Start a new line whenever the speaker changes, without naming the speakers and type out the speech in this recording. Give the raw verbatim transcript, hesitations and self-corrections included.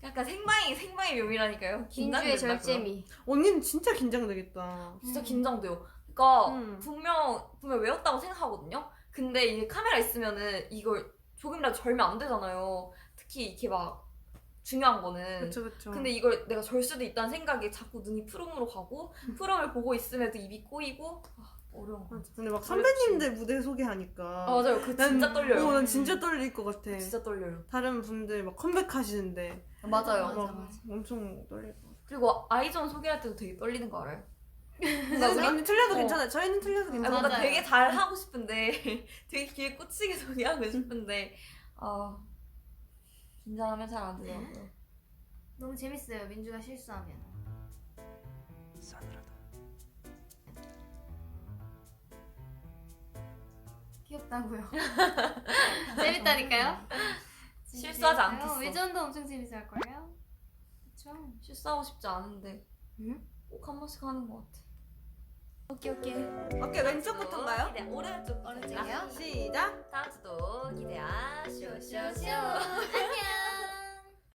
약간 생방이 생방의 묘미라니까요.
민주의
긴장된다고요.
절제미.
언니는 진짜 긴장되겠다.
진짜
음.
긴장돼요. 그러니까
음.
분명 분명 외웠다고 생각하거든요. 근데 이게 카메라 있으면은 이걸 조금이라도 절면 안 되잖아요. 특히 이렇게 막 중요한 거는.
그쵸 그쵸.
근데 이걸 내가 절 수도 있다는 생각에 자꾸 눈이 푸름으로 가고 푸름을 보고 있음에도 입이 꼬이고 아, 어려운 거.
맞아. 근데 막 선배님들 무대 소개하니까.
아 맞아요. 그 진짜
난,
떨려요.
어, 난 진짜 떨릴 것 같아.
진짜 떨려요.
다른 분들 막 컴백하시는데
맞아요.
맞아,
막
맞아.
엄청 떨릴 것 같아.
그리고 아이전 소개할 때도 되게 떨리는 거 알아요?
근데 언니 틀려도
어.
괜찮아요. 저희는 틀려도
아,
괜찮아요.
뭔가
맞아요.
되게 잘 하고 싶은데 되게 귀에 꽂히게 소개하고 싶은데 아 긴장하면 잘 안 되더라고요.
너무 재밌어요. 민주가 실수하면.
싸늘하다.
귀엽다고요. 재밌다니까요. 진짜
실수하지
재밌어요.
않겠어.
외전도 엄청 재밌어 할 거예요. 그렇죠.
실수하고 싶지 않은데
응?
꼭 한 번씩 하는 것 같아.
오케이 오케이.
어깨 왼쪽부터인가요?
네, 오른쪽
오른쪽이요?
시작.
다음 주도